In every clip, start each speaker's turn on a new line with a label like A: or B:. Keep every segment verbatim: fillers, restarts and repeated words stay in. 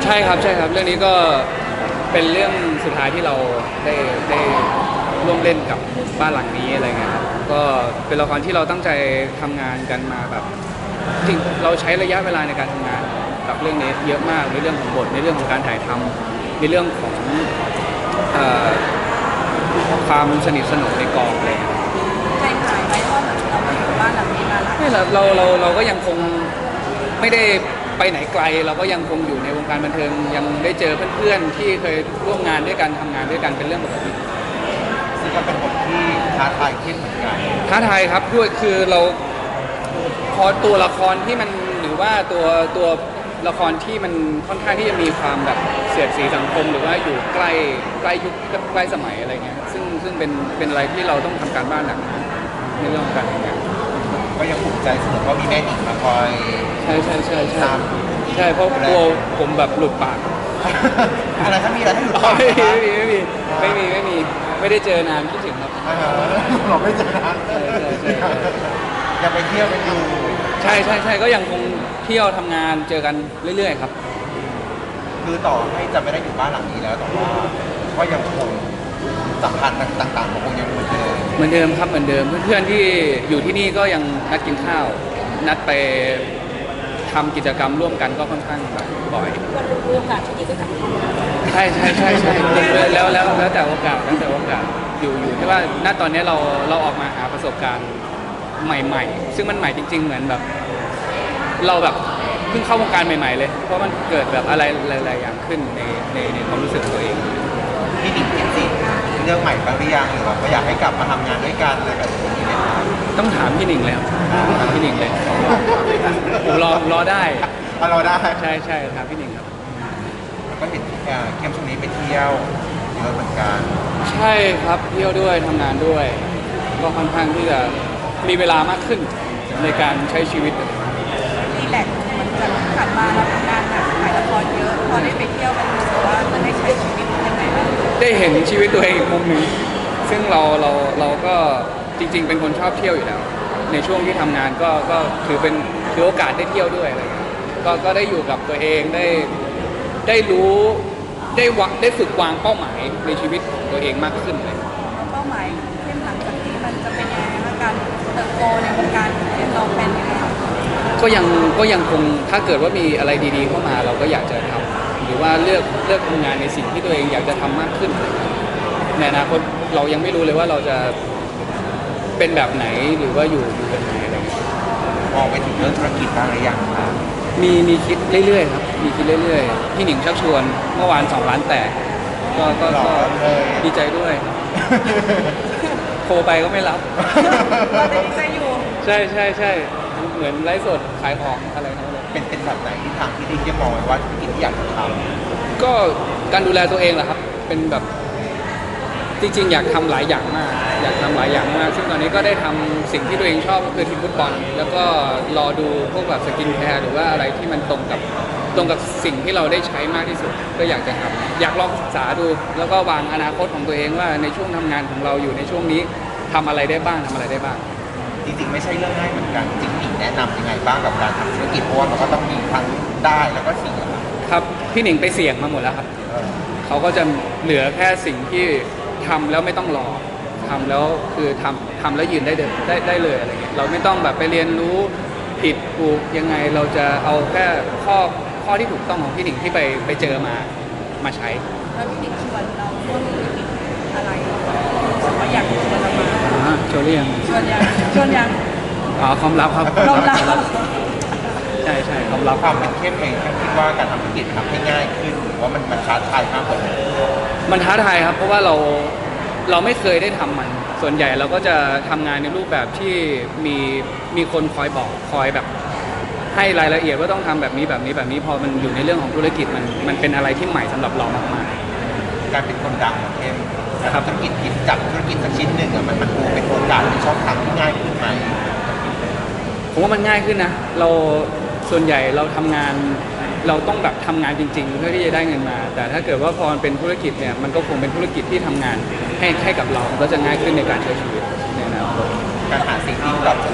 A: ใช่ครับใช่ครับเรื่องนี้ก็เป็นเรื่องสุดท้ายที่เราได้ได้ร่วมเล่นกับบ้านหลังนี้อะไรเงี้ยครับก็เป็นละครที่เราตั้งใจทำงานกันมาแบบจริงเราใช้ระยะเวลาในการทำงานกับเรื่องนี้เยอะมากในเรื่องของบทในเรื่องของการถ่ายทำในเรื่องของเอ่อความสนิทสนมในกองอะไรเงี้ย
B: ใจหายไหมว่าเหมือนเราไปอยู่บ้านหลังนี้มาหลาย
A: ไม่เราเราเราเราก็ยังคงไม่ได้ไปไหนไกลเราก็ยังคงอยู่ในวงการบันเทิงยังได้เจอเพื่อนๆที่เคยร่วมงานด้วยกันทำงานด้วยกันเป็นเรื่องปกติ
C: ซึ่งก็เป็นบทที่ท้าทายขึ้นเหมือนกัน
A: ท้าทายครับด้วยคือเราพอตัวละครที่มันหรือว่าตัวตัวละครที่มันค่อนข้างที่จะมีความแบบเสียดสีสังคมหรือว่าอยู่ใกล้ใกล้ยุคใกล้สมัยอะไรเงี้ยซึ่งซึ่งเป็นเป็นอะไรที่เราต้องทำการบ้านหนักในเรื่องของการทำงาน
C: ก็ยังภูมิใจเสมอว่ามีแม่หนิงมาคอย
A: ใช่ใช่ใช่ใช่
C: ตาม
A: ใช่เพราะกลัวผมแบบหลุดปาก
C: อะไรถ้ามีอะไรให้หลุด
A: อ๋อ
C: ปาก
A: ไม่มี
C: นะ
A: ไม่มีไม่มีไม่มีไม่มีไม่ได้เจอนานคิดถึงครับ
C: อ่าเราไม่เจอนะ
A: ใช่ใช่ใช่ใช่
C: ยังไปเที่ยวกันอยู่
A: ใช่ใช่ใช่ก็ยังคงเที่ยวทำงานเจอกันเรื่อยๆครับ
C: คือต่อให้จะไม่ได้อยู่บ้านหลังนี้แล้วแต่ว่าก็ยังคงสัมพันธ์ต่างๆมันคงยังเหมือนเดิม
A: เหมือนเดิมครับเหมือนเดิมเพื่อนๆที่อยู่ที่นี่ก็ยังนัดกินข้าว นัดไปทำกิจกรรมร่วมกันก็ค่อนข้างแบบบ่อย
B: วันรู้โอกาสที่ดีก็กลับมา
A: ใช่ใช่ใช่ใช่แล้วแล้วแล้วแต่โอกาสแล้วแต่โอกาสอยู่อยู่ที่ว่าณตอนนี้เราเราออกมาหาประสบการณ์ใหม่ๆ ซึ่งมันใหม่จริง ๆ เหมือนแบบ เราแบบเพิ่งเข้าวงการใหม่ๆเลย เพราะมันเกิดแบบอะไรหลายๆอย่างขึ้นในในในความรู้สึกตัวเอง
C: พี่หนิงคิดสิเรื่องใหม่บ้างหรือยังหรือว่าอยากให้กลับมาทำงานด้วยกันอะไรแบบนี้ไหมครับ
A: ต้องถามพี่หนิงแล้วถามพี่หนิงเลยผมรอผมรอได้
C: อ่ะเราได้
A: ใช่ใช่ถามพี่หนิงครับ
C: แล้วก็เห็นเอ่อเข้มช่วงนี้ไปเที่ยวเยอะเหมือนกัน
A: ใช่ครับเที่ยวด้วยทำงานด้วย ก็ค่อนข้างที่จะมีเวลามากขึ้นในการใช้ชีวิต
B: รีแลกซ์เหมือนกับผ่านมาเราทำงานหนักถ่ายละครเยอะพอได้ไปเที่ยวมันรู้สึกว่ามันได้ใช้ชีวิตยังไงบ้าง
A: ได้เห็นชีวิตตัวเองอีกมุมหนึ่งซึ่งเราเราเราก็จริง ๆ เป็นคนชอบเที่ยวอยู่แล้ว ในช่วงที่ทำงานก็ก็ถือเป็นถือโอกาสได้เที่ยวด้วยอะไรเงี้ยก็ก็ได้อยู่กับตัวเองได้ได้รู้ได้วะได้ฝึกวางเป้าหมายในชีวิตของตัวเองมากขึ้นเลย
B: เป้าหมายเข้มหลังจากนี้มันจะเป็นยังไงบ้างการเติบโตในวงการเข้มเราเป็นยังไงบ้าง
A: ก็ยังก็ยังคงถ้าเกิดว่ามีอะไรดีๆเข้ามาเราก็อยากจะทำหรือว่าเลือกเลือกทำงานในสิ่งที่ตัวเองอยากจะทำมากขึ้นในอนาคตเรายังไม่รู้เลยว่าเราจะเป็นแบบไหนหรือว่าอยู่อยู่แบบไหนอะไรอย่างเงี้ย
C: มองไปถึงเรื่องธุรกิจบ้างหรือยังครับ
A: มีมีคิดเรื่อยๆครับมีคิดเรื่อยๆพี่หนิงชักชวนเมื่อวานสองล้านแตกก็ก็
C: หล่อ
A: ก็
C: เลย
A: ดีใจด้วยโทรไปก็ไม่รับ
B: เราจะดีใจอยู่
A: ใช่ใช่ใช่เหมือนไลฟ์สดขายของอะไรเขาเลย
C: เป็นเป็นแบบไหนที่ทางที่ดีที่มองไว้ว่าธุรกิจที่อยากจะท
A: ก็การดูแลตัวเองแหละครับ เป็นแบบจริงๆ อยากทำหลายอย่างมาก อยากทำหลายอย่างมาก ซึ่งตอนนี้ก็ได้ทำสิ่งที่ตัวเองชอบก็คือทีมฟุตบอล แล้วก็รอดูพวกแบบสกินแคร์หรือว่าอะไรที่มันตรงกับตรงกับสิ่งที่เราได้ใช้มากที่สุด ก็อยากจะทำอยากลองศึกษาดู แล้วก็วางอนาคตของตัวเองว่าในช่วงทำงานของเราอยู่ในช่วงนี้ทำอะไรได้บ้างทำอะไรได้บ้าง
C: ำจริงๆไม่ใช่เรื่องง่ายเหมือนกันจริงๆหนิงแนะนำยังไงบ้างกับการทำธุรกิจเพราะว่ามันก็ต้องมีทั้งได้แล้วก็เสีย
A: ครับพี่หนิงไปเสี่ยงมาหมดแล้วครับ
C: เออ
A: เขาก็จะเหลือแค่สิ่งที่ทำแล้วไม่ต้องรอทำแล้วคือทำทำแล้วยืนได้เดินได้ได้เลยอะไรเงี้ยเราไม่ต้องแบบไปเรียนรู้ผิดถูกยังไงเราจะเอาแค่ข้อข้อที่ถูกต้องของพี่หนิงที่ไปไปเจอมามาใช้
B: แล้วพี่หนิงชวนเราร่วมธุรกิจอะไรเขาอยากชวนเรามา
A: อ่าโจเลียง
B: ชวนยังชวนยัง
A: อ๋อความลับครับ
B: ความลับ
A: ใช่ใช่ความลับ
C: ความเป็นเข้มเองเข้มคิดว่าการทำธุรกิจทำให้ง่ายขึ้นหรือว่ามันมันท้าทายมากกว่านี้
A: มันท้าทายครับเพราะว่าเราเราไม่เคยได้ทำมัน ส่วนใหญ่เราก็จะทำงานในรูปแบบที่มีมีคนคอยบอกคอยแบบ ให้รายละเอียดว่าต้องทำแบบนี้แบบนี้แบบนี้พอมันอยู่ในเรื่องของธุรกิจมันมันเป็นอะไรที่ใหม่สำหรับเรามาก
C: การเป็นคนดังของเข้ม
A: ครับ
C: ธุรกิจคิดจับธุรกิจสักชิ้นหนึ่งอะมันมันดูเป็นโอกาสเป็นช่องทางที่ง่ายขึ้นไหม
A: ๆผมว่ามันง่ายขึ้นนะเราส่วนใหญ่เราทำงานเราต้องแบบทำงานจริง ๆ เพื่อที่จะได้เงินมา แต่ถ้าเกิดว่าพอมันเป็นธุรกิจเนี่ยมันก็คงเป็นธุรกิจที่ทำงานให้ให้กับเรามันก็จะง่ายขึ้นในการใช้ชีวิตในอนาคต
C: การหาสิ่งที่ตอบสำหรับคน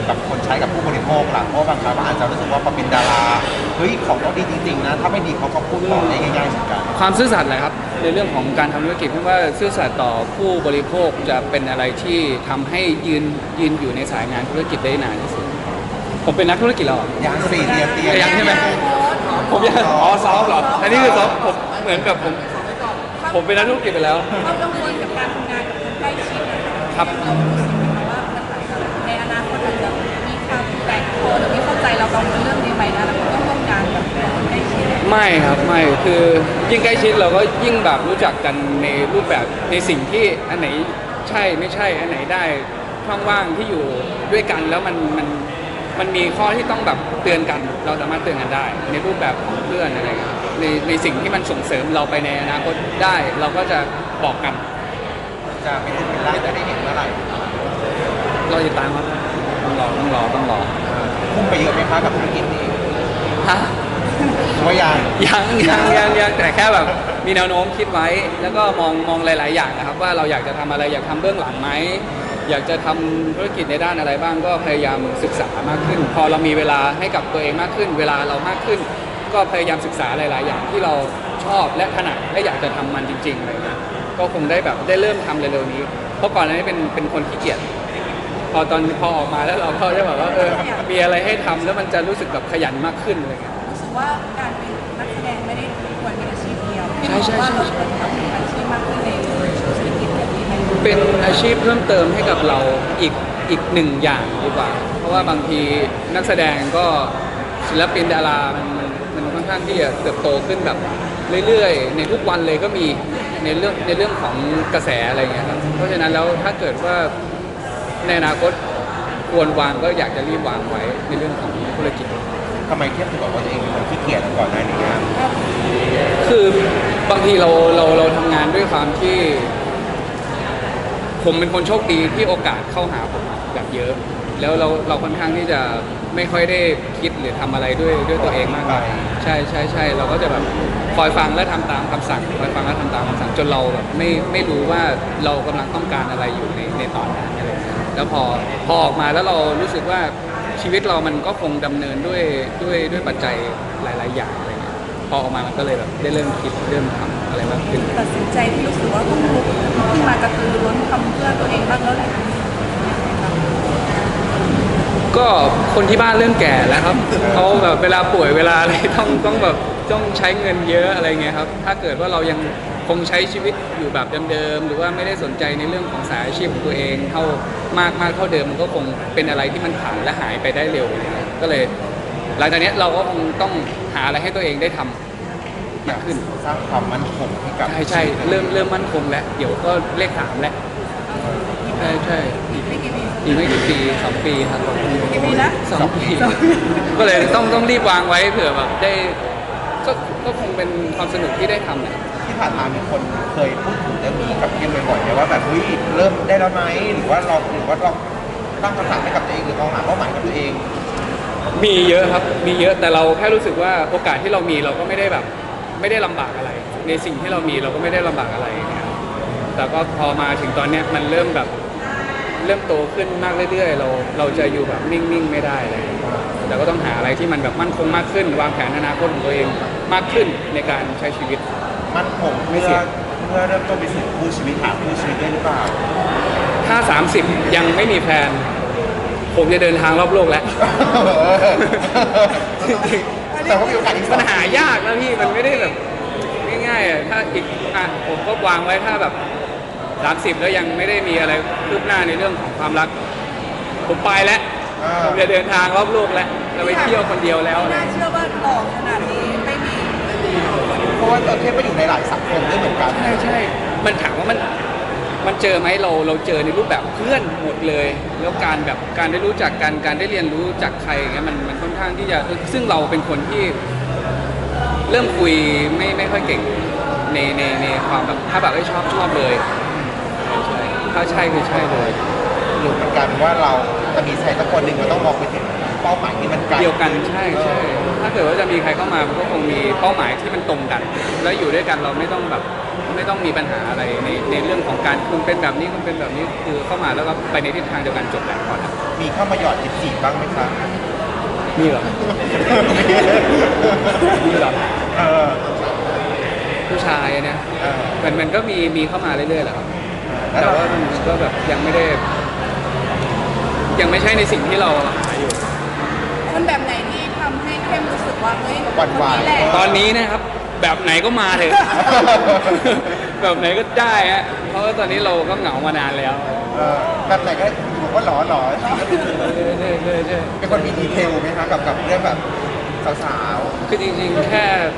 C: กับคนใช้กับผู้บริโภคหลังเพราะบางครั้งอาจจะรู้สึกว่าพอเป็นดาราเฮ้ยของต้องดีจริงๆนะถ้าไม่ดีเขาก็พูดต่อได้ง่ายๆเหมือนกัน
A: ความซื่อสัตย์แหละครับในเรื่องของการทำธุรกิจเพราะว่าซื่อสัตย์ต่อผู้บริโภคจะเป็นอะไรที่ทำให้ยืนยืนอยู่ในสายงานธุรกิจได้นานที่สุดผมเป็นนักธุรกิจแล้วเหรอ
C: ยังสี่เดียมเตีย
A: ยังใช่ไหม ผมยังอ๋อซ้อมเหรออันนี้คือซ้อมผมเหมือนกับผมผมเป็นนักธุรกิจไปแล้ว
B: เขากังวลกับการทำงานกับคนใกล้ชิดนะคะ
A: ครับ
B: เรารู้สึกไหมคะว่ามันอาจจะในอนาคตอาจจะมีความแตกคอหรือไม่เข้าใจเรากังวลเรื่องนี้ไหมนะแล้วก็ต้องร่วมงานกับคนใกล้ชิด
A: ไม่ครับไม่คือยิ่งใกล้ชิดเราก็ยิ่งแบบรู้จักกันในรูปแบบในสิ่งที่อันไหนใช่ไม่ใช่อันไหนได้ช่องว่างที่อยู่ด้วยกันแล้วมันมันมันมีข้อที่ต้องแบบเตือนกันเราสามารถเตือนกันได้ ในรูปแบบของเพื่อนอะไรเงี้ยในในสิ่งที่มันส่งเสริมเราไปในอนาคตได้เราก็จะบอกกัน
C: จะเป็นรูปเป็นร่างจะได้เห็นเมื่อไหร่
A: เราติดตามครับต้องรอต้องรอต้องรอ
C: เออพุ่งไปเยอะไหมคะกับธุรกิจนี้
A: ฮะ
C: หรือว่ายัง
A: ยังยังยังยังแต่แค่แบบมีแนวโน้มคิดไว้ แล้วก็มองมองหลาย ๆ อย่างนะครับว่าเราอยากจะทำอะไรอยากทำเบื้องหลังไหมอยากจะทำธุรกิจในด้านอะไรบ้างก็พยายามศึกษามากขึ้น พอเรามีเวลาให้กับตัวเองมากขึ้น เวลาเรามากขึ้น ก็พยายามศึกษาหลาย ๆ อย่างที่เราชอบและถนัดและอยากจะทำมันจริง ๆ อะไรเงี้ยก็คงได้แบบได้เริ่มทำเร็ว ๆ นี้ เพราะก่อนหน้านี้เป็นเป็นคนขี้เกียจพอตอนพอออกมาแล้วเราก็จะแบบว่าเออมีอะไรให้ทำแล้วมันจะรู้สึกแบบขยันมากขึ้นอะไรเงี้ย
B: รู้สึกว่าการเป็นนักแสดงไม่ได้ควรเป็นอาชีพเดียว
A: ใช่ใช่ใช่
B: ว่าเราควรทำเป็นอาชีพมากขึ้นในธุรกิจแบบนี้ไหม
A: เป็นอาชีพเพิ่มเติมให้กับเราอีกอีกหนึ่งอย่างดีกว่า เพราะว่าบางทีนักแสดงก็ศิลปินดารามันมันมันค่อนข้างที่จะเติบโตขึ้นแบบเรื่อยๆ ในทุกวันเลยก็มีในเรื่องในเรื่องของกระแสอะไรเงี้ยครับ เพราะฉะนั้นแล้วถ้าเกิดว่าในอนาคตควรวางก็อยากจะรีบวางไว้ในเรื่องของธุรกิจ
C: ทำไมเทียบถึงบอกว่าตัวเองเป็นคนขี้เกียจก่อนหน้านี้อะ
A: คือบางทีเราเราเราทำงานด้วยความที่ ผมเป็นคนโชคดีที่โอกาสเข้าหาผมแบบเยอะ แล้วเราเราค่อนข้างที่จะไม่ค่อยได้คิดหรือทำอะไรด้วยด้วยตัวเองมากมายใช่ใช่ใช่เราก็จะแบบคอยฟังและทำตามคำสั่งคอยฟังและทำตามคำสั่งจนเราแบบไม่ไม่รู้ว่าเรากำลังต้องการอะไรอยู่ในในตอนนั้นอะไรอย่างเงี้ยแล้วพอพอออกมาแล้วเรารู้สึกว่าชีวิตเรามันก็คงดำเนินด้วยด้วยด้วยปัจจัยหลาย ๆ อย่างอะไรเงี้ยพอออกมามันก็เลยแบบได้เริ่มคิดเริ่มทำอะไรมากขึ้น
B: ตัดสินใจที่รู้สึกว่าต้องลุกขึ้นมากระตือรือร้นทำเพื่อตัวเองบ้างแล้วแหละ
A: ก็คนที่บ้านเริ่มแก่แล้วครับเขาแบบเวลาป่วยเวลาอะไรต้องต้องแบบต้องใช้เงินเยอะอะไรเงี้ยครับถ้าเกิดว่าเรายังคงใช้ชีวิตอยู่แบบเดิมๆหรือว่าไม่ได้สนใจในเรื่องของสายอาชีพของตัวเองเท่ามากมากเท่าเดิมมันก็คงเป็นอะไรที่มันผ่านและหายไปได้เร็วอะไรเงี้ยก็เลย หลังจากนี้เราก็คงต้องหาอะไรให้ตัวเองได้ทำมากขึ้น
C: สร้างความมั่นคงให้กับ
A: ใช่ใช่เริ่มเริ่มมั่นคงแล้วเดี๋ยวก็เลขสามแล้วใช่ใช่
B: อีกไม่กี่ปี
A: อีกไม่กี่ปีสองปีครับ
B: กี่ปีนะ
A: สองปีก็เลยต้องต้องรีบวางไว้เผื่อแบบได้ก็ก็คงเป็นความสนุกที่ได้ทำแหละ
C: ที่ผ่านมามีคนเคยพูดถึงเรื่องนี้กับเพียงบ่อยๆไหมว่าแบบเฮ้ยเริ่มได้แล้วไหมหรือว่าเราหรือว่าเราตั้งคำสั่งให้กับตัวเองหรือเราหาเป้าหมายกับตัวเอง
A: มีเยอะครับมีเยอะแต่เราแค่รู้สึกว่าโอกาสที่เรามีเราก็ไม่ได้แบบไม่ได้ลำบากอะไร ในสิ่งที่เรามีเราก็ไม่ได้ลำบากอะไรเนี่ยแต่ก็พอมาถึงตอนเนี้ยมันเริ่มแบบเริ่มโตขึ้นมากเรื่อยๆ เราเราจะอยู่แบบนิ่งๆไม่ได้เลยแต่ก็ต้องหาอะไรที่มันแบบมั่นคงมากขึ้น วางแผนอนาคตของตัวเองมากขึ้นในการใช้ชีวิต
C: มั่นคง
A: ไม่
C: เพื่อ
A: เสี่ยง
C: เพื่อเริ่มต้นไปสู่คู่ชีวิตหาคู่ชีวิตได้หรือเปล่า
A: ถ้า สามสิบ ยังไม่มีแฟน ผมจะเดินทางรอบโลกแล้ว
C: แต่ว่ามีโอกาสอีก
A: มันหายากนะพี่ มันไม่ได้แบบง่ายๆอะถ้าอีกอ่ะผมก็วางไว้ถ้าแบบ สามสิบ แล้วยังไม่ได้มีอะไรคืบหน้าในเรื่องของความรัก ผมไปแล้ว
C: อ่า
A: ผมจะเดินทางรอบโลกแล้วจะไปเที่ยวคนเดียวแล้ว
B: น่าเชื่อว่าหล่อขนาดนี้ไม่มี
C: เพราะว่าเราเทียบไปอยู่ในหลายสังคมด้วยเหมือนกัน
A: ใช่ใช่ มันถามว่ามันมันเจอไหมเราเราเจอในรูปแบบเพื่อนหมดเลย แล้วการแบบการได้รู้จักกันการได้เรียนรู้จากใครอย่างเงี้ยมันมันค่อนข้างที่จะซึ่งเราเป็นคนที่เริ่มคุยไม่ไม่ค่อยเก่งในในในความแบบถ้าแบบไม่ชอบชอบเลยใช่ถ้าใช่คือใช่เลย
C: หรือมันกลายเป็นว่าเราจะมีใครสักคนหนึ่งมันต้องมองไปถึงเป้าหมายที่มันไกล
A: เดียวกันใช่ใช่ถ้าเกิดว่าจะมีใครเข้ามามันก็คงมีเป้าหมายที่มันตรงกัน แล้วอยู่ด้วยกันเราไม่ต้องแบบไม่ต้องมีปัญหาอะไรในในเรื่องของการคุณเป็นแบบนี้คุณเป็นแบบนี้คือเข้ามาแล้วก็ไปในทิศทางเดียวกันจบแล้วพอแล้ว
C: มีเข้ามาหยอดจีบจีบบ้างไหมคะ
A: มีเหรอมีเหรอ
C: เออ
A: ผู้ชายเนี่ย
C: เออ
A: มันมันก็มีมีเข้ามาเรื่อยๆแหละครับ
C: แล้ว
A: แต่
C: เรา
A: ว่ามันก็แบบยังไม่ได้ ยังไม่ใช่ในสิ่งที่เราหาอยู่
B: คนแบบไหนที่ทำให้เข้มรู้สึกว่าเฮ้ย
C: หวั่นไหว
B: คนนี้แหละ
A: ตอนนี้นะครับ แบบไหนก็มาเถอะ แบบไหนก็ได้ฮะเพราะว่าตอนนี้เราก็เหงามานานแล้ว
C: เออแบบไหนก็บอกว่าหล่อหล่อ
A: ใช่ใช่ใช่ใช่
C: เป็นคนมีดีเทลไหมคะกับกับเรื่องแบบสาว
A: คือจริงๆแค่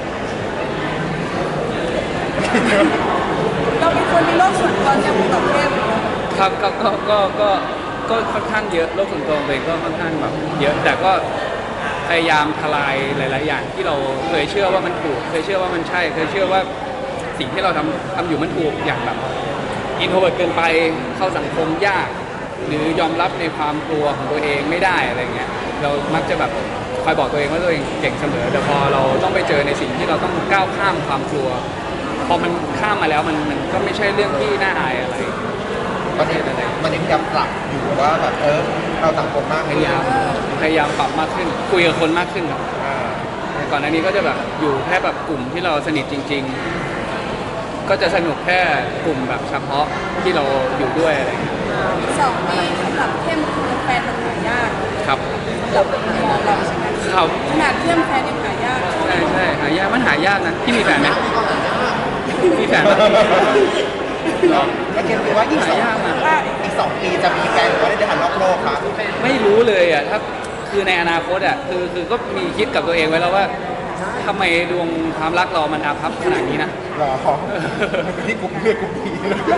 B: เราเป็นคนมีโลกส่วนตัวอย่างกับเข้ม
A: ครับก็ก็ก็ก็ก็ค่อนข้างเยอะโลกส่วนตัวของตัวเองก็ค่อนข้างแบบเยอะแต่ก็พยายามทลายหลาย ๆ อย่างที่เราเคยเชื่อว่ามันถูกเคยเชื่อว่ามันใช่เคยเชื่อว่าสิ่งที่เราทำทำอยู่มันถูกอย่างแบบอินโทรเวิร์ตเกินไปเข้าสังคมยาก หรือยอมรับในความกลัวของตัวเองไม่ได้อะไรเงี้ยเรามักจะแบบคอยบอกตัวเองว่าตัวเองเก่งเสมอแต่พอเราต้องไปเจอในสิ่งที่เราต้องก้าวข้ามความกลัว พอมันข้ามมาแล้วมันมันก็ไม่ใช่เรื่องที่น่าอายอะไร
C: ๆตอนนี้มันยังพยายามปรับอยู่ว่าแบบเออเราสังคมมาก
A: พยายามพยายามปรับมากขึ้น คุยกับคนมากขึ้นครับ
C: อ่า
A: ก่อนหน้านี้ก็จะแบบอยู่แค่แบบกลุ่มที่เราสนิทจริง ๆ ก็จะสนุกแค่กลุ่มแบบเฉพาะที่เราอยู่ด้วยอะไรอย่างเงี้ย
B: สองปีสำหรับเข้มคือแฟนมันหายาก
A: ครับ
B: สำหรับมุมมองเราใช่ไหม
A: ครับ
B: ขนาดเข้มแฟนยังหายาก
A: ใช่ใช่หายากมันหายากนะพี่มีแฟนไหมมีแฟนไหม
C: แล้วคิดว่าอีกสอง
A: หายากนะ
B: ว่า
C: อีกสองปีจะมีแฟนหรือว่าได้เดินทางรอบโลกคะ
A: ไม่รู้เลยอ่ะถ้าคือในอนาคตอ่ะคือคือก็มีคิดกับตัวเองไว้แล้วว่าทำไมดวงความรักเรามันอาภัพขนาดนี้นะ
C: รอที่กลุ่มเลือดกลุ่มดี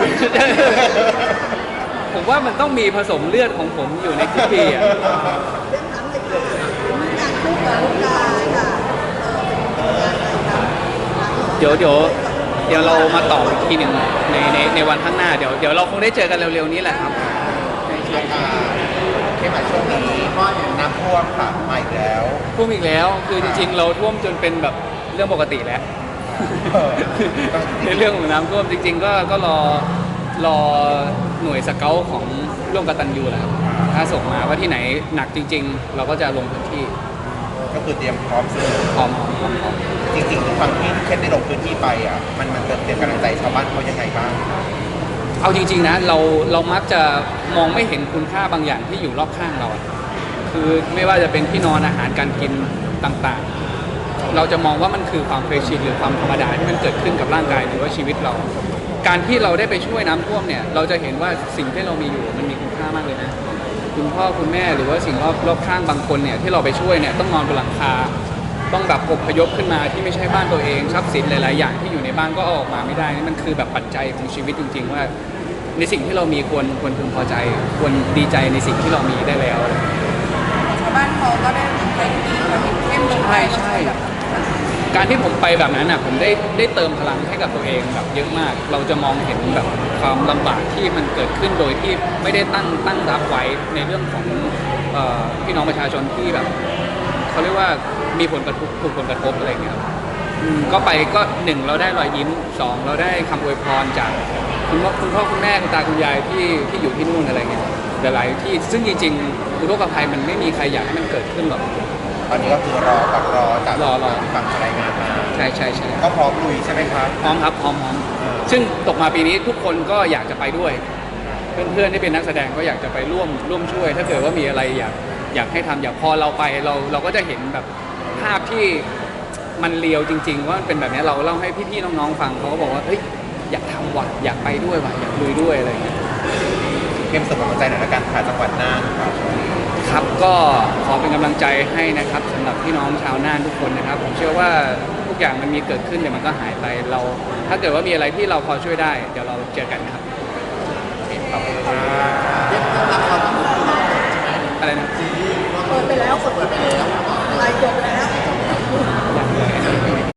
A: ผมว่ามันต้องมีผสมเลือดของผมอยู่ในทุกปีอ่ะเดี๋ยวเดี๋ยวเดี๋ยวเรามาต่ออีกทีหนึ่งในในในวันข้างหน้าเดี๋ยวเดี๋ยวเราคงได้เจอกันเร็วๆนี้แหละครับ
C: อ่าเข้มหมายช่วงนี้น้ำท่วมค่ะมาอีกแล้ว
A: ท่วมอีกแล้วคือจริงๆ เราท่วมจนเป็นแบบเรื่องปกติแล้ว
C: เออ
A: ในเรื่องของน้ำท่วมจริง ๆ ก็ก็รอรอหน่วยสเกลของร่วมกตัญญูแหละครับถ้าส่งมาว่าที่ไหนหนักจริง ๆ เราก็จะลงพื้นที่
C: ก็คือเตรียมพร้อมซื้อ
A: พร้อมพร้อมพร้อมพร้อม
C: จริงๆทุกครั้งที่เข้มได้ลงพื้นที่ไปอ่ะมันมันเตรียมกำลังใจชาวบ้านเขายังไงบ้าง
A: เอาจริง ๆ นะเราเรามักจะมองไม่เห็นคุณค่าบางอย่างที่อยู่รอบข้างเราอะคือไม่ว่าจะเป็นที่นอนอาหารการกินต่างๆ เราจะมองว่ามันคือความเคยชินหรือความธรรมดาที่มันเกิดขึ้นกับร่างกายหรือว่าชีวิตเรา การที่เราได้ไปช่วยน้ำท่วมเนี่ยเราจะเห็นว่าสิ่งที่เรามีอยู่มันมีคุณค่ามากเลยนะ คุณพ่อคุณแม่หรือว่าสิ่งรอบรอบข้างบางคนเนี่ยที่เราไปช่วยเนี่ยต้องนอนบนหลังคา ต้องแบบอพยพขึ้นมาที่ไม่ใช่บ้านตัวเองทรัพย์สินหลาย ๆ อย่างที่อยู่ในบ้านก็เอาออกมาไม่ได้นี่มันคือแบบปัจจัยของชีวิตจริง ๆ ว่า ในสิ่งที่เรามีควรควรพึงพอใจ ควรดีใจในสิ่งที่เรามีได้แล้ว
B: ชาวบ้านเขาก็ได้ไปดีเขาเห็นเข้มลงไป
A: ใช่ใช่ การที่ผมไปแบบนั้นอ่ะผมได้ได้เติมพลังให้กับตัวเองแบบเยอะมาก เราจะมองเห็นแบบความลำบากที่มันเกิดขึ้นโดยที่ไม่ได้ตั้งตั้งรับไว้ในเรื่องของเอ่อพี่น้องประชาชนที่แบบเขาเรียกว่ามีผลกระทบถูกผลกระทบอะไรอย่างเงี้ยครับอืมก็ไปก็หนึ่งเราได้รอยยิ้มสองเราได้คำอวยพรจากคุณพ่อคุณพ่อคุณแม่คุณตาคุณยายที่ที่อยู่ที่นู่นอะไรเงี้ยหลายๆที่ซึ่งจริงๆอุทกภัยมันไม่มีใครอยากให้มันเกิดขึ้นหรอก
C: ตอนนี้ก็คือรอกับรอจาก
A: รอรอ
C: ฝั่งรายงานมา
A: ใช่ใช่ใช่
C: ก็พร้อมลุยใช่ไหมครับ
A: พร้อมครับพร้อมพร้อมซึ่งตกมาปีนี้ทุกคนก็อยากจะไปด้วย เพื่อนๆที่เป็นนักแสดงก็อยากจะไปร่วมร่วมช่วย ถ้าเกิดว่ามีอะไรอยากอยากให้ทำอยากพอเราไปเราเราก็จะเห็นแบบภาพที่มันเลียวจริง ๆ ว่ามันเป็นแบบนี้เราเล่าให้พี่ๆน้องๆฟังเขาก็บอกว่าเฮ้ยอยากทำว่ะอยากไปด้วยว่ะอยากลุยด้วยอะไรอย่างเงี้ย
C: เข้มส่งกำลังใจหน่อยละกันค่ะจังหวัดน่านครับ
A: ครับก็ขอเป็นกำลังใจให้นะครับสำหรับพี่น้องชาวน่านทุกคนนะครับผมเชื่อว่าทุกอย่างมันมีเกิดขึ้นเดี๋ยวมันก็หายไปเรา ถ้าเกิดว่ามีอะไรที่เราพอช่วยได้เดี๋ยวเราเจอกันนะครับ
C: ขอบคุณครับ